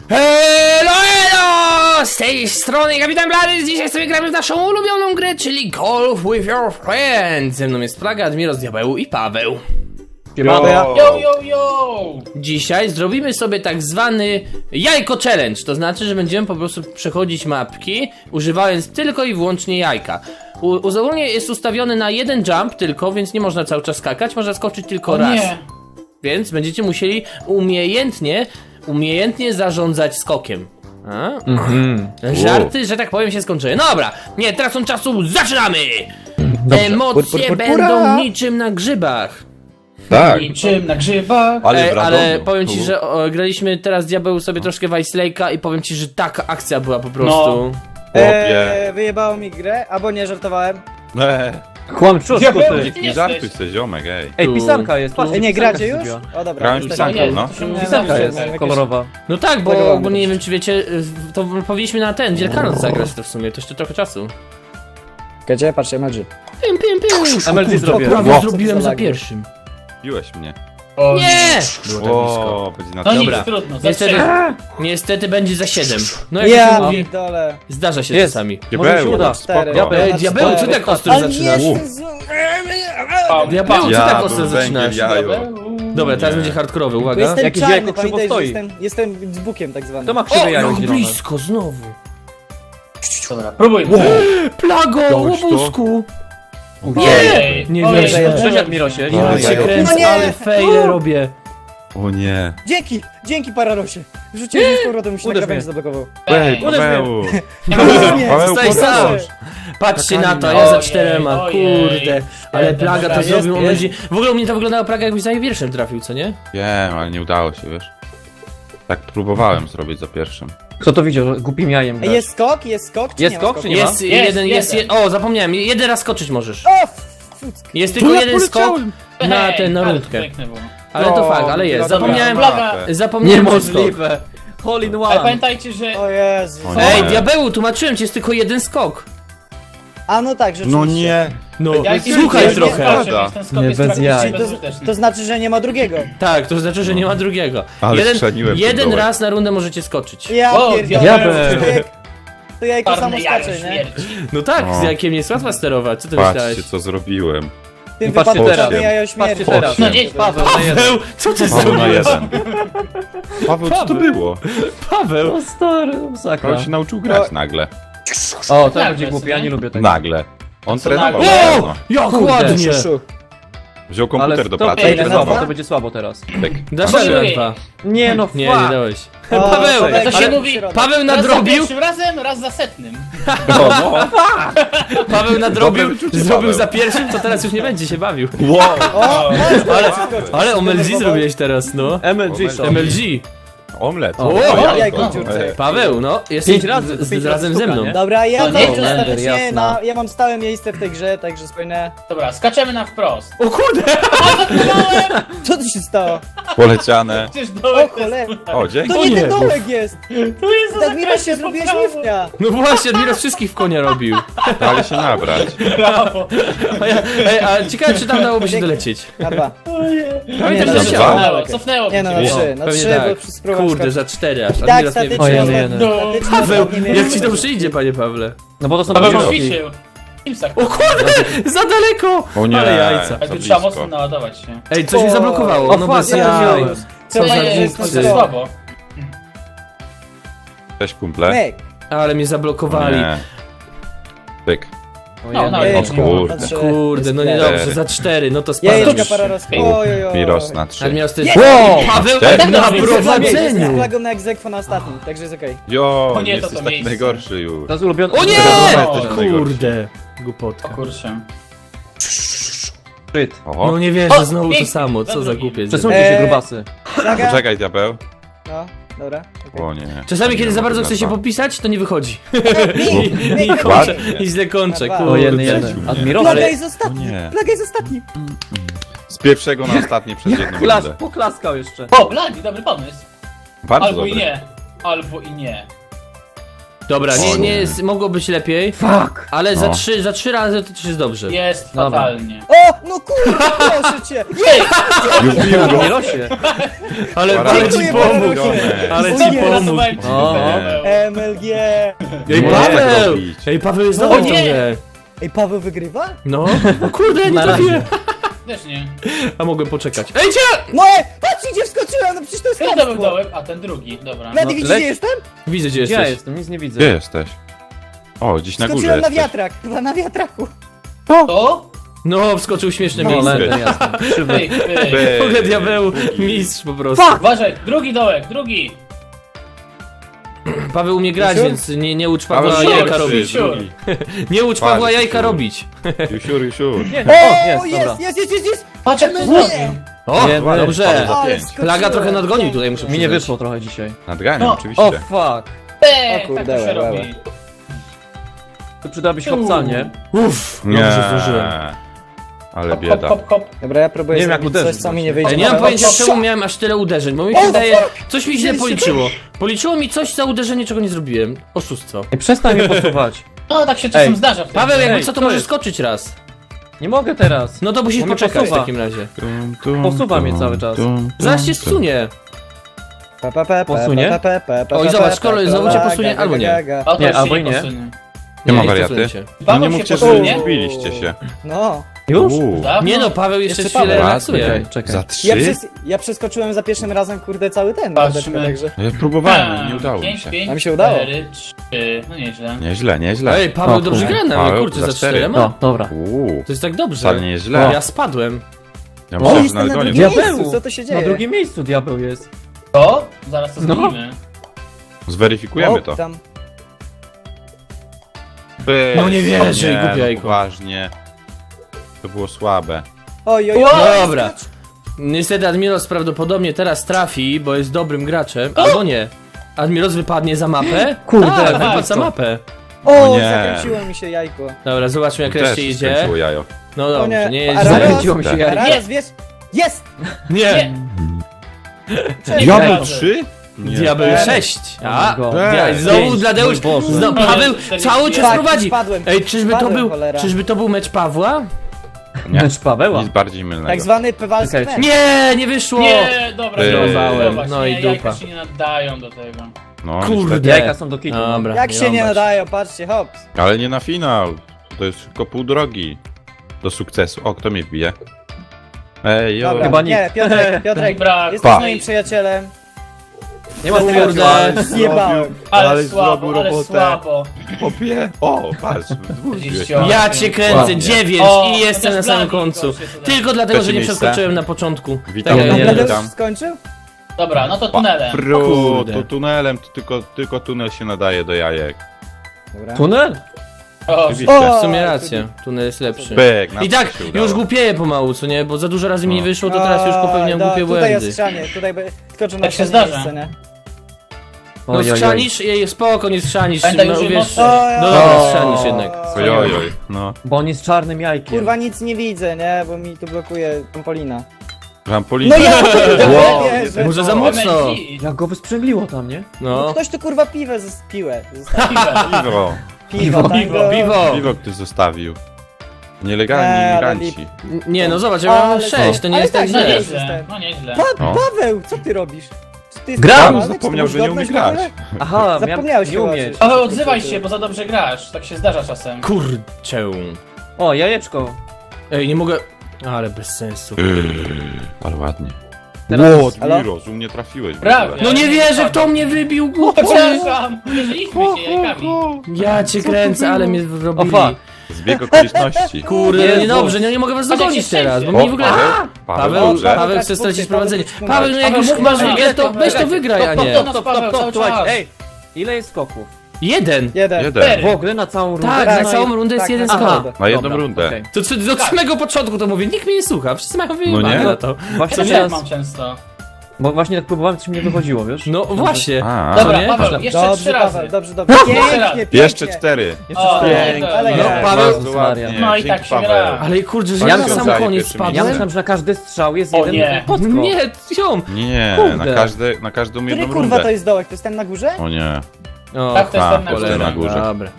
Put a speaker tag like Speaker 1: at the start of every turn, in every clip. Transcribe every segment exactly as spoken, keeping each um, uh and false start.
Speaker 1: Hello, hello! Z tej strony Kapitan Blady. Dzisiaj sobie gramy w naszą ulubioną grę, czyli Golf with your friends. Ze mną jest Plaga, Admiros, Diabeł i Paweł.
Speaker 2: Yo,
Speaker 3: Yo, yo, yo!
Speaker 1: Dzisiaj zrobimy sobie tak zwany jajko challenge. To znaczy, że będziemy po prostu przechodzić mapki, używając tylko i wyłącznie jajka. U, u, ogólnie jest ustawiony na jeden jump tylko, więc nie można cały czas skakać, można skoczyć tylko
Speaker 3: O
Speaker 1: raz.
Speaker 3: nie.
Speaker 1: Więc będziecie musieli umiejętnie, umiejętnie zarządzać skokiem. A?
Speaker 2: Mhm.
Speaker 1: Żarty, że tak powiem, się skończyły. No dobra, nie tracąc czasu, zaczynamy! Emocje
Speaker 2: Pur, pur, pur,
Speaker 1: będą
Speaker 2: pura.
Speaker 1: niczym na grzybach.
Speaker 2: Tak.
Speaker 3: Niczym na grzybach.
Speaker 2: Ale
Speaker 1: Ej,
Speaker 2: w
Speaker 1: ale
Speaker 2: Radomiu.
Speaker 1: powiem ci, że o, graliśmy teraz Diabeł sobie troszkę Vice Lake'a i powiem ci, że taka akcja była po prostu.
Speaker 2: Chłopie.
Speaker 4: Eee, wyjebało mi grę, albo nie, żartowałem.
Speaker 2: Eee.
Speaker 5: Kłam w
Speaker 3: Diabeł,
Speaker 5: ty.
Speaker 3: ty
Speaker 2: Nie żartuj
Speaker 3: jesteś.
Speaker 2: sobie, ziomek, ej.
Speaker 5: Ej,
Speaker 1: Tu.
Speaker 5: pisanka jest, patrz,
Speaker 4: Ej, nie
Speaker 5: pisanka
Speaker 4: gracie
Speaker 5: się
Speaker 4: już?
Speaker 5: zrobiła.
Speaker 4: O dobra.
Speaker 2: Grałem
Speaker 4: już
Speaker 2: pisanką,
Speaker 4: tak.
Speaker 2: no.
Speaker 3: To się mówi
Speaker 5: Pisanka
Speaker 3: zawsze.
Speaker 5: jest,
Speaker 4: jakieś-
Speaker 5: kolorowa.
Speaker 1: No tak, bo,
Speaker 4: Bagowałem
Speaker 1: bo nie
Speaker 4: też.
Speaker 1: wiem czy wiecie, to powinniśmy na ten Wielkanoc zagrać to w sumie, to jeszcze trochę czasu.
Speaker 4: Czekajcie, patrzcie, M L G.
Speaker 1: Pim, pim, pim.
Speaker 5: M L G zrobię.
Speaker 1: Prawie
Speaker 2: Wow.
Speaker 1: zrobiłem za
Speaker 4: Zalagi.
Speaker 1: pierwszym.
Speaker 2: Piłeś mnie.
Speaker 3: O,
Speaker 1: Nie! Było tak blisko.
Speaker 2: O, będzie na
Speaker 3: No nic,
Speaker 1: Dobra.
Speaker 3: trudno, za
Speaker 1: Niestety,
Speaker 3: trzy.
Speaker 1: niestety będzie za siedem. No jak to
Speaker 4: Ja
Speaker 1: się mówi,
Speaker 4: pierdolę.
Speaker 1: zdarza się
Speaker 5: Jest.
Speaker 1: czasami.
Speaker 5: Może się uda.
Speaker 4: Cztery.
Speaker 5: Diabeł.
Speaker 1: Ej, Diabeł, co tak ostro
Speaker 4: Ale
Speaker 1: zaczynasz?
Speaker 4: nie,
Speaker 3: Pa-
Speaker 1: Diabeł, co
Speaker 2: Ja,
Speaker 1: tak
Speaker 2: był
Speaker 1: ostro
Speaker 2: węgiel,
Speaker 1: zaczynasz?
Speaker 2: jajo.
Speaker 1: Dobra, teraz
Speaker 2: Nie.
Speaker 1: będzie hardkorowy,
Speaker 4: Bo
Speaker 1: uwaga.
Speaker 4: jestem
Speaker 5: Jakieś
Speaker 4: czarny,
Speaker 5: jajko krzywo
Speaker 4: pamiętaj, że
Speaker 5: stoi.
Speaker 4: jestem, jestem z bukiem tak zwanym.
Speaker 5: To ma
Speaker 1: O,
Speaker 5: krzywe jajo
Speaker 1: jak
Speaker 5: zielone.
Speaker 1: blisko, znowu.
Speaker 3: Dobra, próbujmy.
Speaker 1: Plago,
Speaker 2: Dałeś to?
Speaker 1: łobuzku.
Speaker 3: Ojej,
Speaker 1: Nie
Speaker 3: ojej,
Speaker 1: wierzę.
Speaker 3: ojej.
Speaker 5: Cześć Admirosie.
Speaker 2: No,
Speaker 1: Ja
Speaker 2: ja-
Speaker 1: cię kręcę,
Speaker 4: No nie.
Speaker 1: ale fejle robię.
Speaker 2: O nie.
Speaker 4: Dzięki, dzięki Pararosie. Rzuciłem mi z powrotem, już na
Speaker 5: Uderz
Speaker 4: krawędzi
Speaker 5: mnie.
Speaker 4: zablokował.
Speaker 2: Ej,
Speaker 3: Uderz
Speaker 2: Paweł.
Speaker 4: Nie,
Speaker 2: Paweł,
Speaker 1: Zostaj sam.
Speaker 2: podnoś.
Speaker 1: Patrzcie na to,
Speaker 2: Ojej,
Speaker 1: ja za czterema,
Speaker 3: ojej.
Speaker 1: kurde. Ale Plaga to
Speaker 3: Jest,
Speaker 1: zrobił, on
Speaker 5: jest.
Speaker 1: będzie... W ogóle u mnie to wyglądało, Plaga, jakbyś za pierwszym trafił, co nie?
Speaker 2: Wiem, ale nie udało się, wiesz. Tak próbowałem zrobić za pierwszym.
Speaker 5: Kto to widział? Głupim jajem
Speaker 4: Ej,
Speaker 5: grać.
Speaker 4: jest skok, jest skok, czy
Speaker 5: Jest
Speaker 4: nie
Speaker 5: skok,
Speaker 4: ma
Speaker 5: czy
Speaker 4: skoku?
Speaker 5: nie ma?
Speaker 1: Jest
Speaker 3: Jest,
Speaker 1: jeden, jest...
Speaker 3: jeden.
Speaker 1: Je... O, zapomniałem, jeden raz skoczyć możesz.
Speaker 4: O, fuck.
Speaker 1: Jest tylko jeden skok na
Speaker 3: Ej,
Speaker 1: ten, na
Speaker 3: ale
Speaker 1: rundkę.
Speaker 3: piękne było.
Speaker 1: Ale to
Speaker 4: O,
Speaker 1: fakt, ale jest.
Speaker 4: dobra.
Speaker 1: Zapomniałem...
Speaker 3: Plaga.
Speaker 1: Zapomniałem o skok.
Speaker 5: Niemożliwe. Hole in
Speaker 3: Ale
Speaker 5: one.
Speaker 3: pamiętajcie, że...
Speaker 4: O Jezu.
Speaker 2: O nie.
Speaker 1: Ej, Diabeł, tłumaczyłem ci, jest tylko jeden skok.
Speaker 4: A no tak, rzeczywiście.
Speaker 2: No nie.
Speaker 1: No,
Speaker 3: Ja ci
Speaker 1: słuchaj
Speaker 3: mówię,
Speaker 1: trochę.
Speaker 3: nie skaczę,
Speaker 2: Prawda.
Speaker 3: więc ten skok
Speaker 5: Nie,
Speaker 3: jest
Speaker 5: bez
Speaker 3: praktycznie
Speaker 5: jaj.
Speaker 4: To,
Speaker 3: bezużyteczny.
Speaker 4: to znaczy, że nie ma drugiego.
Speaker 1: Tak, to znaczy, że nie ma drugiego.
Speaker 2: Ale
Speaker 1: Jeden,
Speaker 2: strzeliłem
Speaker 1: jeden
Speaker 2: dołek.
Speaker 1: raz na rundę możecie skoczyć.
Speaker 4: Ja
Speaker 3: O,
Speaker 4: pierdolę.
Speaker 5: diabeł.
Speaker 4: To jak- To jajko samo
Speaker 3: Czarne jajo
Speaker 4: skacze, nie?
Speaker 3: śmierci.
Speaker 1: No tak,
Speaker 2: O.
Speaker 1: z jakiem nie jest łatwo sterować, co ty myślałeś?
Speaker 2: Patrzcie, co zrobiłem.
Speaker 4: W tym
Speaker 5: I patrzcie
Speaker 4: wypadku
Speaker 2: teraz.
Speaker 4: czarne jajo śmierci.
Speaker 5: Patrzcie teraz.
Speaker 3: No nie, Paweł.
Speaker 5: Na jeden.
Speaker 1: Paweł, co ty
Speaker 2: Paweł na
Speaker 1: zrobiłeś?
Speaker 2: jeden. Paweł, co to było?
Speaker 1: Paweł,
Speaker 5: O stary, masakra.
Speaker 2: Paweł się nauczył grać nagle.
Speaker 5: O, to
Speaker 3: Tak,
Speaker 5: będzie
Speaker 3: to
Speaker 5: głupie,
Speaker 3: jest,
Speaker 5: ja nie lubię tego.
Speaker 2: Nagle. On
Speaker 3: Co
Speaker 2: trenował
Speaker 3: nagle?
Speaker 2: na
Speaker 1: O,
Speaker 2: pewno.
Speaker 1: jak
Speaker 5: Kurde.
Speaker 1: ładnie!
Speaker 4: Szuszu.
Speaker 2: Wziął
Speaker 5: Ale
Speaker 2: komputer do
Speaker 5: to
Speaker 2: pracy i
Speaker 5: będzie
Speaker 4: Ej,
Speaker 5: słabo,
Speaker 2: trenował.
Speaker 5: to będzie słabo teraz.
Speaker 2: Tak.
Speaker 1: Dasz
Speaker 3: Paweł.
Speaker 1: radę na dwa.
Speaker 5: Nie no,
Speaker 1: Nie,
Speaker 5: fuck.
Speaker 1: nie dałeś.
Speaker 4: O,
Speaker 1: Paweł,
Speaker 4: tak,
Speaker 3: To się
Speaker 1: ale
Speaker 3: mówi...
Speaker 1: Paweł
Speaker 3: Raz za
Speaker 1: nadrobił,
Speaker 3: pierwszym razem, raz za setnym.
Speaker 2: No, no.
Speaker 1: Paweł nadrobił,
Speaker 2: Dobre wyczucie,
Speaker 1: zrobił
Speaker 2: Paweł.
Speaker 1: za pierwszym, to teraz już nie będzie się bawił.
Speaker 2: Wow.
Speaker 4: O,
Speaker 1: Ale, ale O M L G zrobiłeś teraz, no.
Speaker 5: M L G
Speaker 2: O,
Speaker 5: show.
Speaker 1: M L G.
Speaker 2: Omlet.
Speaker 1: O,
Speaker 2: jajko.
Speaker 4: jajko w dziurce.
Speaker 2: Ej.
Speaker 1: Paweł, no, jesteś
Speaker 5: Pięć razy-
Speaker 1: z,
Speaker 5: pięć
Speaker 1: z,
Speaker 5: razy
Speaker 1: razem
Speaker 5: sztuka,
Speaker 1: ze mną.
Speaker 5: nie?
Speaker 4: Dobra, ja
Speaker 3: To
Speaker 4: mam
Speaker 3: nie,
Speaker 4: ostatecznie
Speaker 5: jasna.
Speaker 4: na, ja mam stałe miejsce w tej grze, także spokojnie.
Speaker 3: Dobra, skaczemy na wprost.
Speaker 1: O kurde!
Speaker 4: Co tu się stało?
Speaker 2: Poleciane.
Speaker 3: Przecież
Speaker 4: O
Speaker 3: dołek to jest...
Speaker 4: cholera.
Speaker 2: O, dzięki.
Speaker 4: To
Speaker 1: O
Speaker 4: nie
Speaker 1: nie.
Speaker 4: ten dołek jest!
Speaker 3: Tu jest
Speaker 4: Tak mi raz się zrobiłeś łifnia!
Speaker 1: No właśnie, Admiros wszystkich w konia robił.
Speaker 2: Dali się nabrać.
Speaker 3: Brawo.
Speaker 1: A ja, ej, a ciekawe, czy tam dałoby się dolecieć.
Speaker 4: Na dwa.
Speaker 1: Pamiętam,
Speaker 4: Nie,
Speaker 1: że
Speaker 4: no,
Speaker 1: się
Speaker 4: dobra.
Speaker 3: Cofnęło, cofnęło.
Speaker 4: Nie no, na
Speaker 3: mnie.
Speaker 4: trzy, na
Speaker 1: Pewnie
Speaker 4: trzy,
Speaker 1: tak.
Speaker 4: bo spróbowałem
Speaker 1: Kurde,
Speaker 4: skoczyć.
Speaker 1: za cztery aż.
Speaker 4: Tak,
Speaker 1: Admiros nie
Speaker 4: statycznie
Speaker 5: Ojej,
Speaker 4: ostatni-
Speaker 5: jeden.
Speaker 4: statycznie
Speaker 1: Paweł,
Speaker 4: ostatni
Speaker 1: jak
Speaker 4: miałem.
Speaker 1: ci to przyjdzie, panie Pawle?
Speaker 5: No bo to są
Speaker 3: Paweł
Speaker 5: dopiero-
Speaker 3: ćwiczył. Imsak.
Speaker 1: O kurde, za daleko!
Speaker 2: O nie.
Speaker 1: Ale jajca.
Speaker 3: Ale
Speaker 2: za
Speaker 3: tu trzeba
Speaker 2: blisko.
Speaker 3: mocno naładować się.
Speaker 1: Ej, coś mnie
Speaker 4: O,
Speaker 1: zablokowało,
Speaker 5: o
Speaker 1: no
Speaker 5: fuck,
Speaker 1: bez
Speaker 5: ja
Speaker 1: jaj.
Speaker 5: wziąłem.
Speaker 1: Co
Speaker 4: Co
Speaker 1: za
Speaker 3: Nie, jest
Speaker 1: głupcy.
Speaker 3: to słabo.
Speaker 2: Cześć, kumple.
Speaker 4: Myk.
Speaker 1: Ale mnie zablokowali.
Speaker 2: Nie. Pyk.
Speaker 3: No, no,
Speaker 4: Ej,
Speaker 2: O
Speaker 3: no.
Speaker 2: kurde.
Speaker 4: na trzy.
Speaker 1: Kurde, no
Speaker 4: Jest
Speaker 1: niedobrze,
Speaker 2: cztery.
Speaker 1: za cztery, no to spadam
Speaker 4: Jajeczka
Speaker 1: już.
Speaker 4: pararowska.
Speaker 3: Ej,
Speaker 4: Oj, oj, oj.
Speaker 2: Miros na trzy.
Speaker 1: Admiros, ty...
Speaker 5: Wow!
Speaker 1: Paweł
Speaker 2: Cześć.
Speaker 1: na
Speaker 3: Jestem
Speaker 4: Jestem
Speaker 1: prowadzeniu!
Speaker 4: z flagą na egzekwo na ostatnim, także jest okej.
Speaker 2: Jo,
Speaker 3: O nie,
Speaker 2: nie
Speaker 3: to
Speaker 2: jesteś
Speaker 3: to
Speaker 2: taki
Speaker 3: miejsce.
Speaker 2: najgorszy już.
Speaker 5: To jest ulubiony...
Speaker 1: O nie!
Speaker 3: O,
Speaker 2: jesteś najgorszy.
Speaker 1: Kurde,
Speaker 3: O
Speaker 1: głupotka.
Speaker 3: kurczę.
Speaker 5: Shit.
Speaker 2: O,
Speaker 1: No nie wierzę,
Speaker 3: O,
Speaker 1: znowu to
Speaker 3: pięknie,
Speaker 1: samo, co
Speaker 3: za
Speaker 1: za
Speaker 3: drugim.
Speaker 1: głupiec.
Speaker 5: Przesuńcie się,
Speaker 4: Eee.
Speaker 5: grubasy.
Speaker 4: Flaga?
Speaker 2: poczekaj, diabeł.
Speaker 4: No, dobra. okej.
Speaker 2: O nie.
Speaker 1: Czasami, kiedy
Speaker 2: Nie
Speaker 1: za
Speaker 2: mogę
Speaker 1: bardzo
Speaker 2: na
Speaker 1: chce się
Speaker 2: dwa.
Speaker 1: popisać, to nie wychodzi.
Speaker 4: Myk, myk,
Speaker 1: I
Speaker 4: myk,
Speaker 1: kończę,
Speaker 4: myk.
Speaker 1: i źle kończę,
Speaker 4: Na dwa.
Speaker 5: O,
Speaker 1: kurde.
Speaker 5: jeden,
Speaker 2: przeciw
Speaker 5: jeden.
Speaker 2: mnie.
Speaker 5: Admiros?
Speaker 4: Plaga
Speaker 2: Ale-
Speaker 4: jest ostatni,
Speaker 2: O nie.
Speaker 4: plaga jest ostatni.
Speaker 2: Z pierwszego na ostatnie przez jedną
Speaker 5: Klas,
Speaker 2: rundę.
Speaker 5: poklaskał jeszcze.
Speaker 3: O, Bladi, dobry pomysł.
Speaker 2: Bardzo
Speaker 3: Albo
Speaker 2: dobry.
Speaker 3: i nie. Albo i nie.
Speaker 1: Dobra, nie,
Speaker 2: O
Speaker 1: nie,
Speaker 2: nie.
Speaker 1: jest, mogło być lepiej,
Speaker 5: Fuck!
Speaker 1: ale za
Speaker 2: No.
Speaker 1: trzy, za trzy razy to też jest dobrze.
Speaker 3: Jest
Speaker 5: Dobra.
Speaker 3: fatalnie.
Speaker 4: O! No kurwa, proszę cię!
Speaker 5: Na Admirosie.
Speaker 1: Ale
Speaker 2: Para-
Speaker 1: ale ci
Speaker 4: Dziękuję
Speaker 1: pomógł.
Speaker 2: bardzo.
Speaker 1: Ale
Speaker 4: O
Speaker 1: ci
Speaker 4: nie,
Speaker 1: pomógł.
Speaker 3: Uratowałem ci
Speaker 5: O.
Speaker 3: dupę, Paweł.
Speaker 4: M L G!
Speaker 1: Ej,
Speaker 2: Nie tak
Speaker 1: Paweł!
Speaker 2: robić.
Speaker 1: Ej, Paweł jest
Speaker 4: O
Speaker 1: dobry w tą
Speaker 3: nie!
Speaker 1: grę.
Speaker 4: Ej, Paweł wygrywa?
Speaker 1: No. O kurde, ja nie
Speaker 5: Na razie.
Speaker 1: trafiłem.
Speaker 3: Też nie.
Speaker 1: A mogłem poczekać. Ej, cię!
Speaker 4: No ej, patrz, gdzie wskoczyłem, no przecież to jest
Speaker 3: Ja to był
Speaker 4: chamstwo.
Speaker 3: dołek, a ten drugi, dobra.
Speaker 4: Nawet
Speaker 5: No,
Speaker 4: widzisz,
Speaker 5: leć.
Speaker 4: gdzie jestem?
Speaker 1: Widzę, gdzie
Speaker 5: Gdzie ja
Speaker 1: jesteś.
Speaker 5: jestem? Nic nie widzę.
Speaker 2: Gdzie jesteś? O, gdzieś na górze
Speaker 4: Skoczyłem na
Speaker 2: jesteś.
Speaker 4: wiatrak, chyba na wiatraku.
Speaker 3: To?
Speaker 1: No, wskoczył w śmieszne
Speaker 5: No,
Speaker 1: miejsce.
Speaker 5: lędę, jasne. Krzywy.
Speaker 3: Pyk, pyk.
Speaker 2: Pyk.
Speaker 1: W ogóle diabeł, mistrz po prostu.
Speaker 3: Uważaj, drugi dołek, drugi.
Speaker 1: Paweł umie grać,
Speaker 4: Siur?
Speaker 1: więc nie, nie ucz
Speaker 2: Paweł,
Speaker 1: Pawła
Speaker 3: siur,
Speaker 1: jajka
Speaker 3: siur.
Speaker 1: robić.
Speaker 2: drugi.
Speaker 1: Nie ucz
Speaker 2: Paweł,
Speaker 1: Pawła jajka
Speaker 2: siur.
Speaker 1: robić.
Speaker 2: Jusiur, jusiur.
Speaker 5: Nie,
Speaker 4: O,
Speaker 5: o, jest,
Speaker 4: jest,
Speaker 5: dobra.
Speaker 4: jest, jest, jest, jest!
Speaker 3: Patrz jak to
Speaker 4: Nie.
Speaker 3: zrobił.
Speaker 1: O,
Speaker 5: Nie, nie.
Speaker 1: dobrze.
Speaker 2: Za
Speaker 4: Ale
Speaker 2: pięć.
Speaker 4: skoczyłem.
Speaker 1: Plaga trochę nadgonił tutaj, muszę
Speaker 5: Mi nie
Speaker 1: przyznać.
Speaker 5: wyszło trochę dzisiaj.
Speaker 2: Nadganiam,
Speaker 3: No.
Speaker 2: oczywiście.
Speaker 5: O, fuck.
Speaker 3: Pyk,
Speaker 4: O kurde,
Speaker 3: tak to się
Speaker 4: łe, łe,
Speaker 3: robi.
Speaker 5: To przydałaby się hopca, nie?
Speaker 1: Uff,
Speaker 2: Nie.
Speaker 1: dobrze zdążyłem.
Speaker 2: Ale
Speaker 3: Hop, hop,
Speaker 2: bieda.
Speaker 3: hop, hop.
Speaker 4: Dobra, ja próbuję
Speaker 5: Nie wiem, jak
Speaker 4: zrobić
Speaker 5: uderzyć
Speaker 4: coś, co mi
Speaker 5: właśnie.
Speaker 4: nie wyjdzie.
Speaker 1: Ej, nie mam
Speaker 4: Paweł.
Speaker 1: pojęcia,
Speaker 4: O,
Speaker 1: czemu miałem aż tyle uderzeń, bo mi
Speaker 4: O,
Speaker 1: się wydaje,
Speaker 4: fuck!
Speaker 1: coś mi źle
Speaker 4: Widzieliście
Speaker 1: policzyło. Policzyło mi coś za uderzenie, czego nie zrobiłem. Oszustwo.
Speaker 5: Ej, przestań mnie posuwać.
Speaker 3: No tak się czasem
Speaker 5: Ej,
Speaker 3: zdarza w tej
Speaker 1: Paweł,
Speaker 3: grze.
Speaker 1: jakby
Speaker 5: Ej,
Speaker 1: co, to
Speaker 5: co
Speaker 1: możesz
Speaker 5: jest?
Speaker 1: skoczyć raz.
Speaker 5: Nie mogę teraz.
Speaker 1: No to musisz
Speaker 5: Bo mnie
Speaker 1: poczekać w
Speaker 5: posuwa.
Speaker 1: takim razie.
Speaker 2: Tum, tum,
Speaker 5: Posuwa mnie
Speaker 2: tum,
Speaker 5: cały czas.
Speaker 2: tum,
Speaker 1: Zaraz
Speaker 2: tum,
Speaker 1: cię
Speaker 2: tum.
Speaker 1: zsunie.
Speaker 4: Pa, pa, pa, pa,
Speaker 5: Posunie?
Speaker 4: pa, pa, pa, pa,
Speaker 1: Oj,
Speaker 4: pa,
Speaker 1: zobacz,
Speaker 4: pa,
Speaker 1: kolej,
Speaker 4: pa,
Speaker 1: znowu
Speaker 4: pa,
Speaker 1: cię
Speaker 4: pa,
Speaker 1: posunie,
Speaker 4: ga,
Speaker 1: albo
Speaker 4: ga,
Speaker 1: nie.
Speaker 4: ga, ga.
Speaker 3: A to
Speaker 5: Nie,
Speaker 3: już się
Speaker 5: albo i nie.
Speaker 3: posunie.
Speaker 2: Nie ma
Speaker 1: i
Speaker 2: wariaty?
Speaker 1: przesunie się.
Speaker 2: No
Speaker 3: Paweł
Speaker 2: nie
Speaker 3: się
Speaker 2: mówcie, że
Speaker 3: posunie?
Speaker 2: zbiliście się.
Speaker 4: No.
Speaker 5: Już?
Speaker 2: Uuu.
Speaker 3: Dawno?
Speaker 1: Nie no, Paweł jeszcze,
Speaker 4: Jeszcze
Speaker 1: chwilę
Speaker 4: Paweł.
Speaker 1: relaksuje.
Speaker 5: Czekaj, czekaj.
Speaker 2: Za
Speaker 4: Ja,
Speaker 2: trzy?
Speaker 4: przez, ja przeskoczyłem za pierwszym razem, kurde, cały ten.
Speaker 3: Patrzmy.
Speaker 4: mordeczko, Także.
Speaker 2: No ja próbowałem, nie udało mi
Speaker 3: pięć,
Speaker 2: się.
Speaker 3: pięć,
Speaker 4: Nam się udało.
Speaker 3: cztery, trzy. No nieźle.
Speaker 2: Nieźle, nieźle.
Speaker 1: Ej, Paweł
Speaker 5: O,
Speaker 1: dobrze
Speaker 5: kurde.
Speaker 1: gra na mnie,
Speaker 2: Paweł,
Speaker 1: kurczę,
Speaker 2: za
Speaker 1: za
Speaker 2: cztery.
Speaker 1: cztery
Speaker 5: No,
Speaker 1: ma.
Speaker 5: dobra.
Speaker 2: Uuu.
Speaker 1: To jest tak dobrze.
Speaker 2: Wcale nie jest źle.
Speaker 1: Ja spadłem.
Speaker 2: Ja
Speaker 4: O,
Speaker 2: myślałem, że
Speaker 4: jestem na
Speaker 2: nadgonię.
Speaker 4: drugim
Speaker 5: Diabeł!
Speaker 4: miejscu, co to się dzieje?
Speaker 5: Na drugim miejscu diabeł jest.
Speaker 3: To? Zaraz to
Speaker 5: No.
Speaker 3: zmienimy.
Speaker 2: Zweryfikujemy
Speaker 4: O,
Speaker 2: to.
Speaker 4: Tam.
Speaker 2: Pyk.
Speaker 1: No nie wierzę,
Speaker 2: Nie,
Speaker 1: głupie
Speaker 2: no
Speaker 1: jajko.
Speaker 2: Poważnie. To było słabe.
Speaker 4: Oj, oj,
Speaker 3: Wow.
Speaker 4: oj.
Speaker 1: Dobra. Niestety Admiros prawdopodobnie teraz trafi, bo jest dobrym graczem, albo nie. Admiros wypadnie za mapę?
Speaker 5: Kurde,
Speaker 1: tak,
Speaker 5: tak
Speaker 1: wypadł za
Speaker 5: to.
Speaker 1: mapę.
Speaker 4: O,
Speaker 2: O nie.
Speaker 4: zakręciło mi się jajko.
Speaker 1: Dobra, zobaczmy jak
Speaker 2: Też
Speaker 1: reszcie idzie.
Speaker 2: skręciło jajo.
Speaker 1: No
Speaker 4: O
Speaker 1: dobrze,
Speaker 4: nie.
Speaker 1: nie jest
Speaker 4: A
Speaker 1: źle.
Speaker 4: Raros?
Speaker 5: Zakręciło mi się
Speaker 2: Tak.
Speaker 5: jajko.
Speaker 4: Raz, wiesz? Jest!
Speaker 3: Nie!
Speaker 4: Cześć,
Speaker 2: Diabeł
Speaker 4: Raros.
Speaker 2: trzy? Nie.
Speaker 1: Diabeł
Speaker 4: Eee.
Speaker 1: sześć. A,
Speaker 5: Oh my God.
Speaker 1: dia-
Speaker 2: Eee.
Speaker 1: znowu
Speaker 5: Pięć,
Speaker 1: Bladeusz,
Speaker 5: mój Boże.
Speaker 1: znowu Paweł cały czas
Speaker 4: Tak,
Speaker 1: prowadzi.
Speaker 4: spadłem.
Speaker 1: Ej, czyżby to
Speaker 4: Spadłem,
Speaker 1: był,
Speaker 4: cholera.
Speaker 1: czyżby to był mecz Pawła?
Speaker 2: Nie.
Speaker 5: Mecz Paweła.
Speaker 2: Nic bardziej mylnego.
Speaker 4: Tak zwany pewalski
Speaker 5: Czekajcie.
Speaker 4: mecz.
Speaker 1: Nie, nie wyszło.
Speaker 3: Nie, dobra,
Speaker 2: Eee.
Speaker 3: zrąbałem.
Speaker 1: No i
Speaker 3: nie, jajka
Speaker 1: dupa.
Speaker 3: się nie nadają do tego.
Speaker 2: No,
Speaker 1: Kurde.
Speaker 2: niestety.
Speaker 5: Jajka są do kitu. no.
Speaker 1: Dobra.
Speaker 4: Jak się nie
Speaker 1: rąbać.
Speaker 4: nadają, patrzcie, hops.
Speaker 2: Ale nie na finał. To jest tylko pół drogi do sukcesu. O, kto mnie wbije? Ej, jo.
Speaker 4: Dobra,
Speaker 5: Chyba
Speaker 4: nie,
Speaker 5: nikt.
Speaker 4: Piotrek, Piotrek,
Speaker 3: Brak.
Speaker 4: jesteś
Speaker 2: Pa.
Speaker 4: moim przyjacielem.
Speaker 5: Nie ma
Speaker 1: Kurde.
Speaker 5: kurde.
Speaker 4: Zjebałem.
Speaker 3: Ale,
Speaker 2: Ale
Speaker 3: słabo,
Speaker 2: zrobił
Speaker 3: ale
Speaker 2: robotę.
Speaker 3: słabo.
Speaker 2: Popie. O, patrz, w dwóch
Speaker 3: Gdzieś
Speaker 2: wbiłeś.
Speaker 3: ściął.
Speaker 1: Ja cię kręcę,
Speaker 2: Ładnie.
Speaker 1: dziewięć
Speaker 3: O,
Speaker 1: i jestem na
Speaker 3: chociaż
Speaker 1: samym
Speaker 3: Bladi
Speaker 1: końcu.
Speaker 3: goście co da.
Speaker 1: Tylko dlatego, że
Speaker 2: Trzecie
Speaker 1: nie
Speaker 2: miejsce.
Speaker 1: przeskoczyłem na początku.
Speaker 2: Witam.
Speaker 1: Tak, ja
Speaker 2: No,
Speaker 1: nie
Speaker 2: Bladeusz-
Speaker 1: wiem.
Speaker 4: Bladeusz skończył?
Speaker 3: Dobra, no to tunele.
Speaker 2: Pro,
Speaker 1: kurde.
Speaker 2: to tunelem, to tylko, tylko tunel się nadaje do jajek.
Speaker 4: Dobra.
Speaker 5: Tunel?
Speaker 3: O,
Speaker 2: Oczywiście.
Speaker 4: O,
Speaker 1: W sumie racja, tunel jest lepszy.
Speaker 2: Pyk, na
Speaker 1: I
Speaker 2: to
Speaker 1: tak,
Speaker 2: się udało.
Speaker 1: już głupieję pomału, co nie? Bo za dużo razy mi nie
Speaker 2: No.
Speaker 1: wyszło, to teraz już popełniam
Speaker 4: da,
Speaker 1: głupie
Speaker 4: Tutaj
Speaker 1: błędy.
Speaker 4: jest chrzanie, tutaj by- skoczył na
Speaker 3: Tak się
Speaker 4: przednie
Speaker 3: zdarza.
Speaker 4: miejsce, nie?
Speaker 1: No
Speaker 5: Oj, oj, oj.
Speaker 1: schrzanisz? Jej, spoko, nie schrzanisz.
Speaker 3: Pamiętaj,
Speaker 1: No
Speaker 3: użyj
Speaker 1: wiesz,
Speaker 3: mocy.
Speaker 1: no dobra, schrzanisz jednak.
Speaker 2: Oj, oj, oj. No.
Speaker 5: Bo on jest czarnym jajkiem.
Speaker 4: Kurwa, nic nie widzę, nie? Bo mi tu blokuje trampolina.
Speaker 2: Trampolina.
Speaker 4: No ja
Speaker 2: Wow,
Speaker 4: nie wierzę.
Speaker 1: Może za
Speaker 4: no.
Speaker 1: mocno.
Speaker 3: M L G.
Speaker 5: Jak go wysprzęgliło tam, nie?
Speaker 1: No.
Speaker 4: Ktoś tu kurwa piwę, z piłę. Zostawił.
Speaker 2: Piwo.
Speaker 4: Piwo,
Speaker 1: Piwo, piwo.
Speaker 2: Piwo ktoś zostawił. Nielegalni
Speaker 4: Eee, ale
Speaker 2: imigranci.
Speaker 1: Nie, no zobacz, ja mam
Speaker 4: Ale-
Speaker 1: sześć, to nie
Speaker 4: ale
Speaker 1: jest tak
Speaker 4: tak,
Speaker 3: No
Speaker 1: źle.
Speaker 4: jest.
Speaker 3: nieźle, no nieźle.
Speaker 4: Pa,
Speaker 2: No.
Speaker 4: Paweł, co ty robisz? Czy ty jesteś
Speaker 5: Gram!
Speaker 4: normalny?
Speaker 2: Paweł
Speaker 4: Czy
Speaker 2: zapomniał,
Speaker 4: ty
Speaker 2: że
Speaker 4: masz
Speaker 2: nie umie
Speaker 4: godność w
Speaker 2: grać.
Speaker 4: ogóle?
Speaker 5: Aha, miałem
Speaker 4: Zapomniałeś
Speaker 5: nie
Speaker 4: chyba
Speaker 5: umieć.
Speaker 4: coś.
Speaker 3: Paweł, odzywaj się, bo za dobrze grasz. Tak się zdarza czasem.
Speaker 1: Kurczę.
Speaker 5: O, jajeczko.
Speaker 1: Ej, nie mogę... Ale bez sensu.
Speaker 2: Ale ładnie.
Speaker 5: Teraz-
Speaker 2: Ło,
Speaker 4: Halo?
Speaker 2: Admiros, u mnie trafiłeś. w
Speaker 3: Prawie.
Speaker 2: ogóle.
Speaker 1: No nie wierzę, kto mnie wybił, głupcy!
Speaker 3: Przepraszam, mierzyliśmy się jajkami.
Speaker 1: Ja cię kręcę, ale mnie wrobili.
Speaker 5: O, fuck.
Speaker 2: Zbieg okoliczności.
Speaker 1: Kurde,
Speaker 5: Jezu.
Speaker 1: niedobrze, no nie mogę was
Speaker 3: Patrz, jak
Speaker 1: dogonić
Speaker 3: się
Speaker 1: teraz, bo
Speaker 3: szczęście.
Speaker 1: mi w ogóle...
Speaker 2: Paweł,
Speaker 1: Paweł,
Speaker 2: Paweł, dobrze.
Speaker 1: Paweł
Speaker 4: tak,
Speaker 1: chce stracić
Speaker 4: punkty,
Speaker 1: prowadzenie.
Speaker 4: Paweł,
Speaker 1: Paweł, no jak
Speaker 3: Paweł,
Speaker 1: już
Speaker 3: mów
Speaker 1: masz
Speaker 3: na
Speaker 1: wygrać, to
Speaker 3: Paweł,
Speaker 1: weź to
Speaker 3: Paweł,
Speaker 1: wygraj, a
Speaker 3: stop,
Speaker 1: nie.
Speaker 3: stop,
Speaker 5: Stop,
Speaker 3: Paweł,
Speaker 5: stop, stop,
Speaker 3: cały
Speaker 5: słuchajcie,
Speaker 3: czas.
Speaker 5: ej! Ile jest skoków?
Speaker 1: Jeden.
Speaker 4: Jeden.
Speaker 2: Jeden.
Speaker 5: W ogóle na całą rundę?
Speaker 1: Tak,
Speaker 4: Tak,
Speaker 1: na całą rundę jest
Speaker 4: tak,
Speaker 1: jeden
Speaker 4: na
Speaker 1: skok.
Speaker 4: całą.
Speaker 2: Na jedną
Speaker 5: Dobra,
Speaker 2: rundę.
Speaker 5: okej.
Speaker 1: To co, od samego początku to mówię, nikt mnie nie słucha, wszyscy mają wyjebane
Speaker 2: No nie?
Speaker 1: na to.
Speaker 5: Właśnie
Speaker 3: Co ja
Speaker 5: teraz,
Speaker 3: mam często?
Speaker 5: bo właśnie tak próbowałem, coś mi nie wychodziło, wiesz?
Speaker 1: No właśnie.
Speaker 2: A,
Speaker 3: Dobra,
Speaker 1: nie?
Speaker 3: Paweł, jeszcze trzy
Speaker 4: Dobrze,
Speaker 3: razy.
Speaker 4: Paweł, dobrze, dobrze.
Speaker 3: Jeszcze
Speaker 4: Pięknie,
Speaker 3: raz.
Speaker 4: pięknie.
Speaker 2: jeszcze cztery.
Speaker 5: Jeszcze
Speaker 3: O,
Speaker 5: cztery.
Speaker 4: Pięknie,
Speaker 3: dobra.
Speaker 4: ale
Speaker 1: No,
Speaker 4: ja.
Speaker 1: Paweł-
Speaker 2: Bardzo ładnie.
Speaker 3: No i
Speaker 2: Dzięki,
Speaker 3: tak się
Speaker 2: Paweł.
Speaker 3: gra.
Speaker 1: Ale kurde, że
Speaker 5: Ja
Speaker 1: ja na
Speaker 5: myślałem,
Speaker 1: sam
Speaker 2: że
Speaker 1: koniec
Speaker 2: pierwszy
Speaker 1: spadłem.
Speaker 5: Ja myślałem, że na każdy strzał jest
Speaker 3: O
Speaker 5: jeden
Speaker 3: nie.
Speaker 5: podskok.
Speaker 1: Nie, ziom.
Speaker 2: Nie,
Speaker 5: Kurde.
Speaker 2: na, każde, na każdą
Speaker 4: Który
Speaker 2: jedną
Speaker 4: kurwa to
Speaker 2: rundę.
Speaker 4: jest dołek? To jest ten na górze?
Speaker 2: O nie.
Speaker 1: O,
Speaker 3: Tak, to jest
Speaker 2: A,
Speaker 3: ten na
Speaker 2: cholera.
Speaker 3: górze.
Speaker 2: na górze.
Speaker 1: Dobra.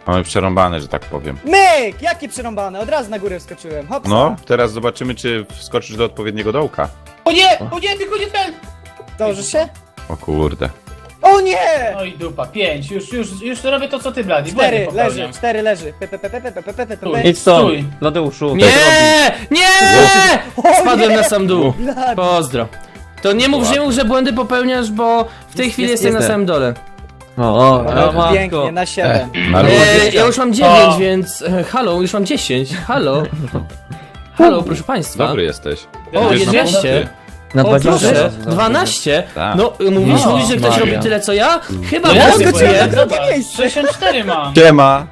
Speaker 2: Mamy przerąbane, że tak powiem.
Speaker 4: Myk! Jakie przerąbane, od razu na górę wskoczyłem, hopsa.
Speaker 2: No, teraz zobaczymy, czy wskoczysz do odpowiedniego dołka.
Speaker 3: O nie! O nie, tylko nie ten!
Speaker 4: Dążysz się?
Speaker 2: O kurde.
Speaker 4: O nie!
Speaker 3: No i dupa, pięć. Już, już, już robię to, co ty, Blady.
Speaker 4: Cztery,
Speaker 3: Błędy
Speaker 4: leży,
Speaker 3: popełniam.
Speaker 4: cztery leży. Pe, pe, pe, pe, pe, pe, pe, pe, pe.
Speaker 3: Stój.
Speaker 5: Idź stąd,
Speaker 3: Stój.
Speaker 5: Ladeuszu.
Speaker 1: Nie! Nie!
Speaker 4: O
Speaker 1: Spadłem
Speaker 4: nie!
Speaker 1: na sam dół.
Speaker 4: Blady.
Speaker 1: Pozdro. To nie mów, że, nie mów, że błędy popełniasz, bo w tej
Speaker 4: Jest-
Speaker 1: chwili
Speaker 4: jest-
Speaker 1: jestem na
Speaker 4: jest.
Speaker 1: samym dole.
Speaker 5: O, o,
Speaker 4: Ale
Speaker 5: o matko.
Speaker 4: pięknie, na siedem.
Speaker 2: Na
Speaker 1: E,
Speaker 2: luzie.
Speaker 1: ja już mam dziewięć,
Speaker 3: O.
Speaker 1: więc... E, halo, już mam dziesięć. Halo. Halo, proszę państwa.
Speaker 2: Dobry jesteś.
Speaker 1: O,
Speaker 2: Idziesz na
Speaker 1: jedenaście.
Speaker 2: punkty.
Speaker 5: Na
Speaker 1: O,
Speaker 5: dwadzieścia
Speaker 1: proszę,
Speaker 5: razy.
Speaker 1: dwanaście.
Speaker 2: Tak.
Speaker 1: No, mówisz,
Speaker 3: No,
Speaker 1: mówisz, że ktoś
Speaker 5: Maria.
Speaker 1: robi tyle co ja? Chyba
Speaker 3: No ja
Speaker 1: wątpię.
Speaker 4: skoczyłem na
Speaker 3: zobacz,
Speaker 4: drugie miejsce.
Speaker 3: sześćdziesiąt cztery mam.
Speaker 2: Siema!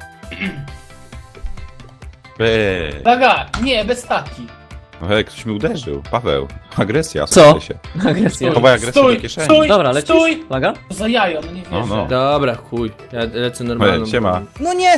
Speaker 2: Eee.
Speaker 3: Plaga, nie, bez taki.
Speaker 2: Ej, ktoś mi uderzył. Paweł. Agresja.
Speaker 5: Co?
Speaker 2: słuchaj się.
Speaker 5: Agresja.
Speaker 2: Chowaj agresję
Speaker 3: Stój,
Speaker 2: do kieszeni.
Speaker 3: stój,
Speaker 5: Dobra, lecisz?
Speaker 3: stój!
Speaker 5: Plaga?
Speaker 3: Za jajo, no nie
Speaker 2: No,
Speaker 3: wierzę.
Speaker 2: no.
Speaker 1: Dobra, chuj. Ja lecę normalną.
Speaker 2: Ej, siema.
Speaker 4: No nie!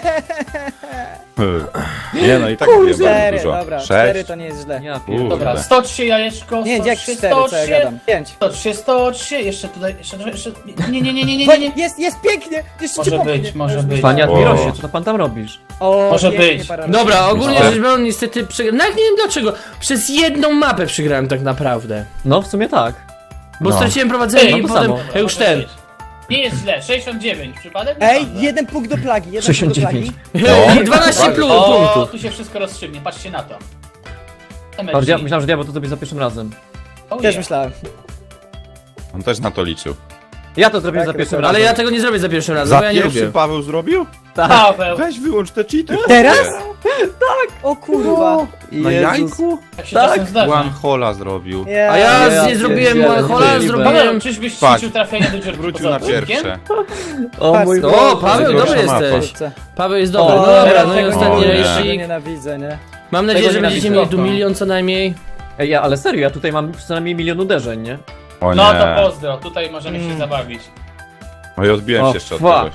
Speaker 2: Nie no i tak wiem
Speaker 4: Cztery,
Speaker 2: dużo.
Speaker 4: dobra, cztery
Speaker 2: Sześć.
Speaker 4: to nie jest źle.
Speaker 5: Ja
Speaker 2: Kurde.
Speaker 5: pierdolę.
Speaker 3: Dobra, sto trzy jajeczko,
Speaker 4: Nie,
Speaker 3: sto
Speaker 4: jak
Speaker 3: trzy,
Speaker 4: cztery,
Speaker 3: sto
Speaker 4: co ja
Speaker 3: trzy,
Speaker 4: gadam. Pięć.
Speaker 3: sto trzy, sto trzy, jeszcze tutaj, jeszcze, jeszcze, nie, nie, nie, nie, nie,
Speaker 4: Bo
Speaker 3: nie, nie.
Speaker 4: jest, jest pięknie! Jeszcze cię
Speaker 3: Może
Speaker 4: popchnie.
Speaker 3: być, może
Speaker 4: Już
Speaker 3: być.
Speaker 4: myślałem.
Speaker 5: Panie
Speaker 2: O.
Speaker 5: Admirosie, co to pan tam robisz?
Speaker 4: O,
Speaker 3: Może
Speaker 4: pięknie,
Speaker 3: być.
Speaker 4: para-
Speaker 1: Dobra, ogólnie
Speaker 2: Myślę.
Speaker 1: rzecz biorąc, niestety przegrałem. No jak nie wiem dlaczego. Przez jedną mapę przegrałem tak naprawdę.
Speaker 5: No, w sumie tak.
Speaker 1: Bo
Speaker 2: No.
Speaker 1: straciłem prowadzenie
Speaker 3: Ej,
Speaker 1: i
Speaker 5: no to
Speaker 1: potem
Speaker 5: samo.
Speaker 1: ja już
Speaker 3: Może
Speaker 1: ten.
Speaker 3: być. Nie jest źle, sześćdziesiąt dziewięć, przypadek? Nie
Speaker 4: Ej,
Speaker 3: sądzę.
Speaker 4: jeden punkt do plagi, jeden
Speaker 5: sześćdziesiąt
Speaker 4: punkt do
Speaker 5: dziewięć.
Speaker 4: plagi.
Speaker 2: No.
Speaker 1: dwanaście plus
Speaker 3: O,
Speaker 1: punktów.
Speaker 3: tu się wszystko rozstrzygnie, patrzcie na to.
Speaker 5: Patrz, ja myślałem, że diabeł to zrobi za pierwszym razem.
Speaker 3: Oh,
Speaker 4: Też
Speaker 3: yeah.
Speaker 4: myślałem.
Speaker 2: On też na to liczył.
Speaker 5: Ja to zrobię
Speaker 4: Tak,
Speaker 5: za pierwszym
Speaker 4: ale
Speaker 5: razem.
Speaker 1: Ale ja tego nie zrobię za pierwszym razem,
Speaker 2: Za
Speaker 1: bo ja nie
Speaker 2: pierwszy
Speaker 1: lubię.
Speaker 2: Paweł zrobił?
Speaker 3: Paweł,
Speaker 2: Weź wyłącz te cheaty.
Speaker 4: Teraz? O kurwa.
Speaker 2: Na jajku?
Speaker 3: tak się czasem zdarza.
Speaker 2: One hola zrobił.
Speaker 4: Nie.
Speaker 1: A ja
Speaker 5: Ja
Speaker 1: nie zrobiłem
Speaker 5: pierdzielę,
Speaker 1: one-hola,
Speaker 5: ty,
Speaker 1: zrobiłem...
Speaker 3: Paweł, czyżbyś
Speaker 2: Patrz.
Speaker 3: ćwiczył trafienie do dziurki
Speaker 2: Wrócił
Speaker 3: poza
Speaker 2: na
Speaker 3: budynkiem?
Speaker 2: pierwsze.
Speaker 5: O mój
Speaker 4: O,
Speaker 5: Boże.
Speaker 1: O, Paweł,
Speaker 2: Najgorsza
Speaker 1: dobry
Speaker 2: mapa.
Speaker 1: jesteś.
Speaker 4: Kurczę.
Speaker 1: Paweł jest dobry.
Speaker 5: O,
Speaker 1: No dobra,
Speaker 3: teraz
Speaker 1: no i
Speaker 3: tego
Speaker 1: ostatni
Speaker 2: nie.
Speaker 4: Tego
Speaker 1: rejsik.
Speaker 4: nienawidzę, nie?
Speaker 1: Mam nadzieję, że
Speaker 5: Tego
Speaker 1: będziecie
Speaker 5: nienawidzę.
Speaker 1: mieli tu milion co najmniej.
Speaker 5: Ej, ja, ale serio, ja tutaj mam przynajmniej milion uderzeń, nie?
Speaker 2: O nie.
Speaker 3: No to pozdro, tutaj możemy się
Speaker 4: Mm.
Speaker 3: zabawić.
Speaker 2: No i odbiłem
Speaker 5: O,
Speaker 2: się jeszcze od
Speaker 5: fuck.
Speaker 2: kogoś.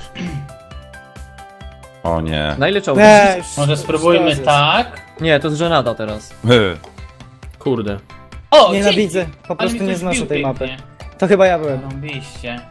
Speaker 2: O nie.
Speaker 5: Na ile czołg?
Speaker 4: Nie, już-
Speaker 3: Może spróbujmy
Speaker 4: już
Speaker 3: tak.
Speaker 5: Nie, to jest żenada teraz.
Speaker 2: Hy.
Speaker 1: Kurde.
Speaker 3: O,
Speaker 4: Nienawidzę,
Speaker 3: dzięki.
Speaker 4: po
Speaker 3: Ale
Speaker 4: prostu
Speaker 3: mi
Speaker 4: nie
Speaker 3: ktoś
Speaker 4: znoszę
Speaker 3: wbił
Speaker 4: tej mapy.
Speaker 3: pięknie.
Speaker 4: To chyba ja byłem.
Speaker 3: Robiście.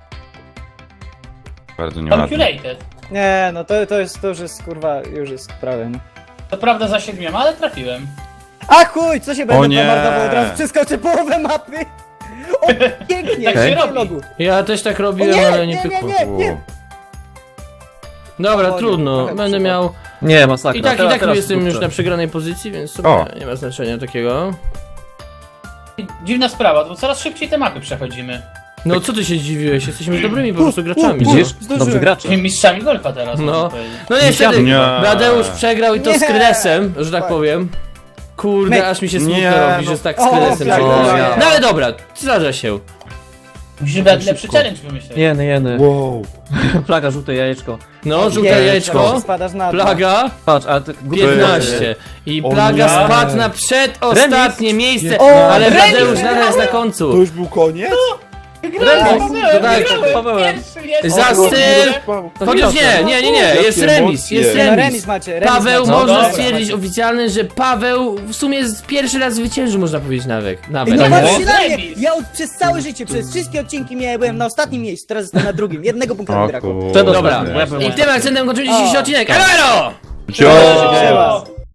Speaker 2: Bardzo nieładnie.
Speaker 3: Calculated.
Speaker 4: Nie, no to, to jest, to już jest kurwa, już jest prawie, no.
Speaker 3: To prawda za siedmioma, ale trafiłem.
Speaker 4: A chuj, co się będę
Speaker 2: nie.
Speaker 4: pomarnował, od razu przeskoczę połowę mapy. O, pięknie,
Speaker 3: Tak się
Speaker 4: pięknie
Speaker 3: robi.
Speaker 4: logu.
Speaker 1: Ja też tak robiłem,
Speaker 4: O nie,
Speaker 1: ale nie
Speaker 4: nie, nie,
Speaker 1: pykło.
Speaker 4: nie, nie.
Speaker 1: Dobra,
Speaker 4: O nie,
Speaker 1: trudno.
Speaker 4: trochę
Speaker 1: Będę
Speaker 4: przypadł.
Speaker 1: miał...
Speaker 5: Nie, masakra.
Speaker 1: I tak, i
Speaker 5: teraz,
Speaker 1: tak
Speaker 5: teraz
Speaker 1: jestem już
Speaker 5: kurczę.
Speaker 1: na przegranej pozycji, więc sobie
Speaker 2: O.
Speaker 1: nie ma znaczenia takiego.
Speaker 3: Dziwna sprawa, bo coraz szybciej te mapy przechodzimy.
Speaker 1: No co ty się zdziwiłeś? Jesteśmy już dobrymi po prostu graczami.
Speaker 4: u,
Speaker 1: no.
Speaker 5: Widzisz?
Speaker 4: Zdążyłem.
Speaker 5: Dobrze gracze.
Speaker 3: Jesteśmy mistrzami golfa teraz.
Speaker 1: No.
Speaker 3: można powiedzieć.
Speaker 1: No niestety,
Speaker 2: Nie.
Speaker 1: Bladeusz przegrał i to z
Speaker 4: Nie.
Speaker 1: kredesem, że tak powiem. Kurde,
Speaker 4: My-
Speaker 1: aż mi się smutno
Speaker 2: Nie,
Speaker 1: robi,
Speaker 2: no.
Speaker 1: że tak z
Speaker 4: O,
Speaker 1: kredesem
Speaker 4: tak,
Speaker 1: przegrał.
Speaker 5: tak.
Speaker 1: No ale dobra, zdarza się.
Speaker 3: Musisz brać lepszy challenge wymyśleć.
Speaker 5: Jeny, jeny.
Speaker 2: Wow.
Speaker 5: Plaga, żółte jajeczko.
Speaker 1: No, żółte
Speaker 4: Jej,
Speaker 1: jajeczko,
Speaker 4: Spadasz na dno.
Speaker 1: plaga,
Speaker 5: Patrz, ale to głupie
Speaker 1: piętnaście. I
Speaker 2: O
Speaker 1: plaga
Speaker 2: nie.
Speaker 1: spadł na przedostatnie miejsce,
Speaker 4: O,
Speaker 1: ale
Speaker 4: remis,
Speaker 1: Bladeusz nadal jest na końcu.
Speaker 2: już był koniec?
Speaker 3: Wygrałem,
Speaker 5: Remis.
Speaker 3: Paweł,
Speaker 1: Tak,
Speaker 3: wygrałem.
Speaker 5: Pawełem.
Speaker 3: Pierwszy jest.
Speaker 1: Za
Speaker 3: O,
Speaker 1: styl! Chociaż nie, nie, nie, nie, jest
Speaker 2: Jakie
Speaker 1: remis,
Speaker 2: emocje.
Speaker 1: jest
Speaker 4: No
Speaker 1: remis.
Speaker 4: remis macie, remis
Speaker 1: Paweł,
Speaker 4: macie.
Speaker 1: można
Speaker 3: dobra,
Speaker 1: stwierdzić
Speaker 4: macie.
Speaker 1: oficjalnie, że Paweł w sumie z pierwszy raz zwyciężył, można powiedzieć nawet. nawet.
Speaker 4: Nie
Speaker 3: To
Speaker 4: patrz
Speaker 3: jest
Speaker 4: się na mnie!
Speaker 3: remis.
Speaker 4: Ja od, przez całe życie, przez wszystkie odcinki miałem, byłem na ostatnim miejscu, teraz jestem na drugim. Jednego punktu mi brakło.
Speaker 5: Przedostatni,
Speaker 1: Dobra.
Speaker 5: bo ja byłem
Speaker 1: I tym
Speaker 5: ostatni.
Speaker 1: akcentem kończymy dzisiejszy
Speaker 4: O.
Speaker 1: odcinek. Elo!
Speaker 2: Cio!
Speaker 4: Siema.